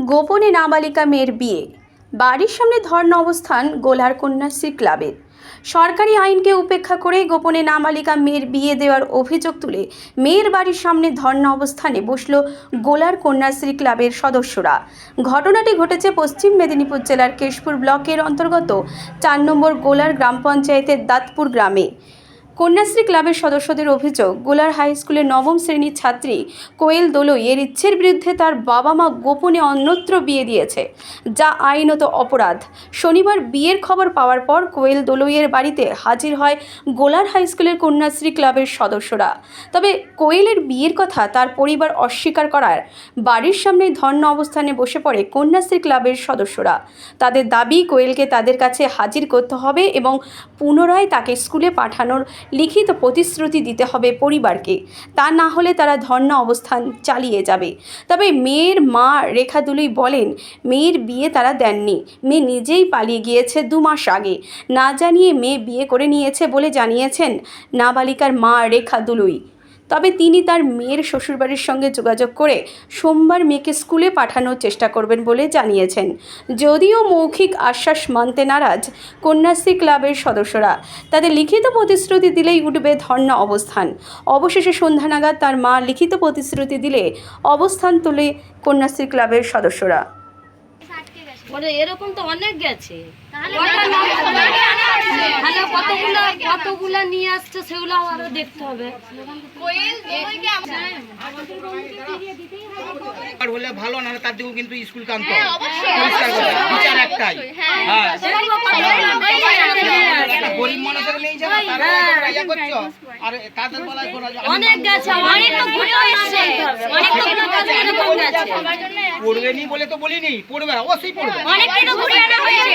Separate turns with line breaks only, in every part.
গোপনে নাবালিকা মেয়ের বিয়ে, বাড়ির সামনে ধর্ণা অবস্থান গোলার কন্যাশ্রী ক্লাবের। সরকারি আইনকে উপেক্ষা করে গোপনে নাবালিকা মেয়ের বিয়ে দেওয়ার অভিযোগ তুলে মেয়ের বাড়ির সামনে ধর্ণা অবস্থানে বসল গোলার কন্যাশ্রী ক্লাবের সদস্যরা। ঘটনাটি ঘটেছে পশ্চিম মেদিনীপুর জেলার কেশপুর ব্লকের অন্তর্গত 4 নম্বর গোলার গ্রাম পঞ্চায়েতের দাঁতপুর গ্রামে। কন্যাশ্রী ক্লাবের সদস্যদের অভিযোগ, গোলার হাই স্কুলের নবম শ্রেণীর ছাত্রী কোয়েল দোলই এর ইচ্ছের বিরুদ্ধে তার বাবা মা গোপনে অন্যত্র বিয়ে দিয়েছে, যা আইনত অপরাধ। শনিবার বিয়ের খবর পাওয়ার পর কোয়েল দোলইয়ের বাড়িতে হাজির হয় গোলার হাই স্কুলের কন্যাশ্রী ক্লাবের সদস্যরা। তবে কোয়েলের বিয়ের কথা তার পরিবার অস্বীকার করার বাড়ির সামনেই ধর্ণা অবস্থানে বসে পড়ে কন্যাশ্রী ক্লাবের সদস্যরা। তাদের দাবি, কোয়েলকে তাদের কাছে হাজির করতে হবে এবং পুনরায় তাকে স্কুলে পাঠানোর লিখিত প্রতিশ্রুতি দিতে হবে পরিবারকে, তা না হলে তারা ধর্ণা অবস্থান চালিয়ে যাবে। তবে মেয়ের মা রেখা দুলুই বলেন, মেয়ের বিয়ে তারা দেননি, মেয়ে নিজেই পালিয়ে গিয়েছে 2 মাস আগে, না জানিয়ে মেয়ে বিয়ে করে নিয়েছে বলে জানিয়েছেন নাবালিকার মা রেখা দুলুই। তবে তিনি তার মেয়ের শ্বশুরবাড়ির সঙ্গে যোগাযোগ করে সোমবার মেয়েকে স্কুলে পাঠানোর চেষ্টা করবেন বলে জানিয়েছেন। যদিও মৌখিক আশ্বাস মানতে নারাজ কন্যাশ্রী ক্লাবের সদস্যরা, তাদের লিখিত প্রতিশ্রুতি দিলেই উঠবে ধর্ণা অবস্থান। অবশেষে সন্ধ্যা নাগাদ তার মা লিখিত প্রতিশ্রুতি দিলে অবস্থান তোলে কন্যাশ্রী ক্লাবের সদস্যরা।
এরকম তো অনেক গেছে, কতগুলা নিয়ে আসছে সেগুলো আরো দেখতে হবে।
হলে ভালো না, তার দিকেও কিন্তু স্কুল কান্ত বিচার একটাই। গরিব মানুষের নেই যাবে, আর তাদের বলায়
অনেক গেছে, অনেক তো ঘুরেও এসেছে, অনেক তো এরকম গেছে।
পড়বে নি বলে তো বলিনি, পড়বে অবশ্যই পড়বে।
অনেক কিছু ঘুরে আনা হয়েছে।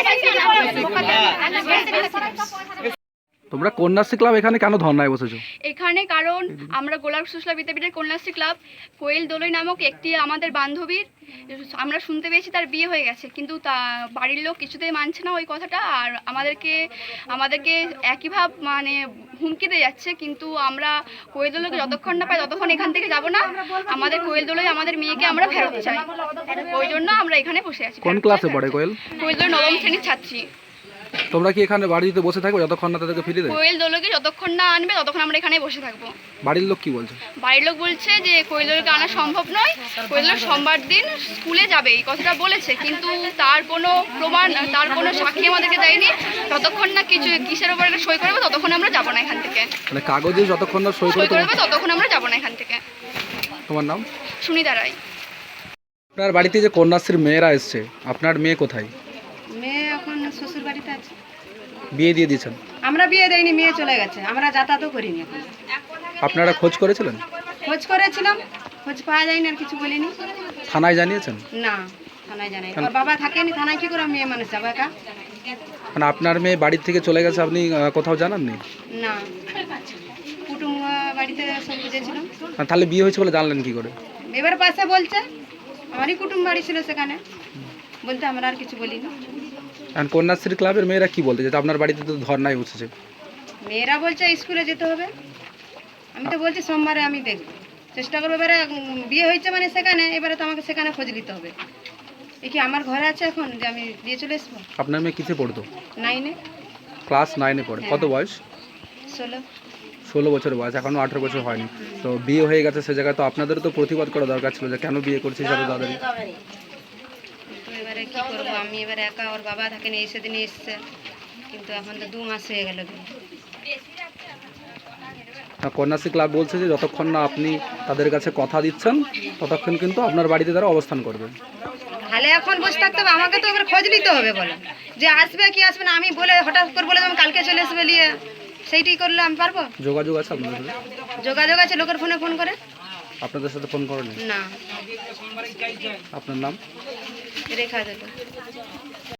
তোমরা কন্যাশ্রী ক্লাব এখানে কেন ধর্নায় বসেছো?
এখানে কারণ আমরা গোলাপ সুশলা বিদ্যাপীঠের কন্যাশ্রী ক্লাব, কোয়েল দোলই নামক একটি আমাদের বান্ধবীর, আমরা শুনতে পেয়েছি তার বিয়ে হয়ে গেছে, কিন্তু তা বাড়ির লোক কিছুতেই মানছে না ওই কথাটা, আর আমাদেরকে একইভাব মানে হুমকি দিয়ে যাচ্ছে। কিন্তু আমরা কোয়েল দোলকে যতক্ষণ না পাই ততক্ষণ এখান থেকে যাব না। আমাদের কোয়েল দোলই আমাদের মেয়েকে আমরা ফেরত চাই, ওই জন্য আমরা এখানে বসে আছি।
কোন ক্লাসে পড়ে কোয়েল?
কোয়েল দোল 9ম শ্রেণীর ছাত্রী।
তোমরা কি এখানে বাড়িতে বসে থাকবে যতক্ষণ না তাদেরকে ফিরিয়ে দেবে?
কোয়েল দোলকে যতক্ষণ না আনবে ততক্ষণ আমরা এখানে বসে থাকবো।
বাড়ির লোক কি বলছে?
বাড়ির লোক বলছে যে কোয়েল দোলকে আনা সম্ভব নয়, কোয়েল দোল সোমবার দিন স্কুলে যাবে, এই কথাটা বলেছে, কিন্তু তার কোনো প্রমাণ, তার কোনো সাক্ষী আমাদেরকে দেয়নি। যতক্ষণ না কিসের উপর একটা সই করবে ততক্ষণ আমরা যাবো না এখান থেকে।
মানে কাগজে যতক্ষণ না সই
করবে ততক্ষণ আমরা যাবো না এখান থেকে।
তোমার নাম?
সুনিতা রায়।
আপনার বাড়িতে যে কন্যাশ্রীর মেয়েরা এসছে, আপনার মেয়ে কোথায়?
মেয়ে এখন শ্বশুর বাড়িতে আছে।
বিয়ে দিয়ে দিয়েছেন?
আমরা বিয়ে দেয়নি, মেয়ে চলে গেছে, আমরা যাতায়াতও করিনি এখন।
আপনারা খোঁজ করেছিলেন?
খোঁজ করেছিলাম, খোঁজ পাওয়া যায়নি, আর কিছু বলিনি।
থানায় জানিয়েছেন?
না, থানায় জানাই। ওর বাবা থাকেনি, থানায় কি করে মেয়ে মানুষ যাবে একা?
মানে আপনার মেয়ে বাড়ির থেকে চলে গেছে, আপনি কোথাও জানাননি?
না, কুটুম বাড়িতে সব বুঝেছিলাম।
তাহলে বিয়ে হয়েছে বলে জানলেন কি করে?
এবার পাশে বলছে, আমারই কুটুম বাড়ি ছিল সেখানে, বলতে আমরা আর কিছু বলিনি।
আর কন্যাশ্রী ক্লাবের মেয়েরা কি বলতে যে আপনার বাড়িতে তো ধর্নায় বসেছে?
মেয়েরা বলছে স্কুলে যেতে হবে। আমি তো বলছি সোমবারে আমি দেখব, চেষ্টা করবো। এবারে বিয়ে হয়েছে মানে সেখানে, এবারে তো আমাকে সেখানে খোঁজ নিতে হবে। এ কি আমার ঘরে আছে এখন যে আমি দিয়ে চলে আসবো?
আপনার মেয়ে কিসে পড়তো?
9-এ।
ক্লাস 9-এ পড়ে। কত বয়স?
16
বছর বয়স, এখনো 18 বছর হয়নি। তো বিয়ে হয়ে গেছে, সে জায়গায় তো আপনাদেরও তো প্রতিবাদ করা দরকার ছিল যে কেন বিয়ে করছিস এত তাড়াতাড়ি।
এবারে কি করবো, আমি এবারে একা, ওর বাবা থাকেনি, এই সেদিনে এসছে, কিন্তু এখন তো 2 মাস হয়ে গেল।
কন্যাশ্রী ক্লাব বলছে যে যতক্ষণ না আপনি তাদের কাছে কথা দিচ্ছেন ততক্ষণ কিন্তু আপনার বাড়িতে তারা অবস্থান করবে।
তাহলে এখন বসে থাকতে হবে, আমাকে তো এবার খোঁজ নিতে হবে, বলো যে আসবে কি আসবে না। আমি বলে হঠাৎ করে বলে আমি কালকে চলে আসবে নিয়ে, সেইটাই করলে আমি পারবো?
যোগাযোগ আছে আপনাদের সাথে?
যোগাযোগ আছে, লোকের ফোনে ফোন করে।
আপনাদের সাথে ফোন করেন
না।
আপনার নাম?
রেখা দিল।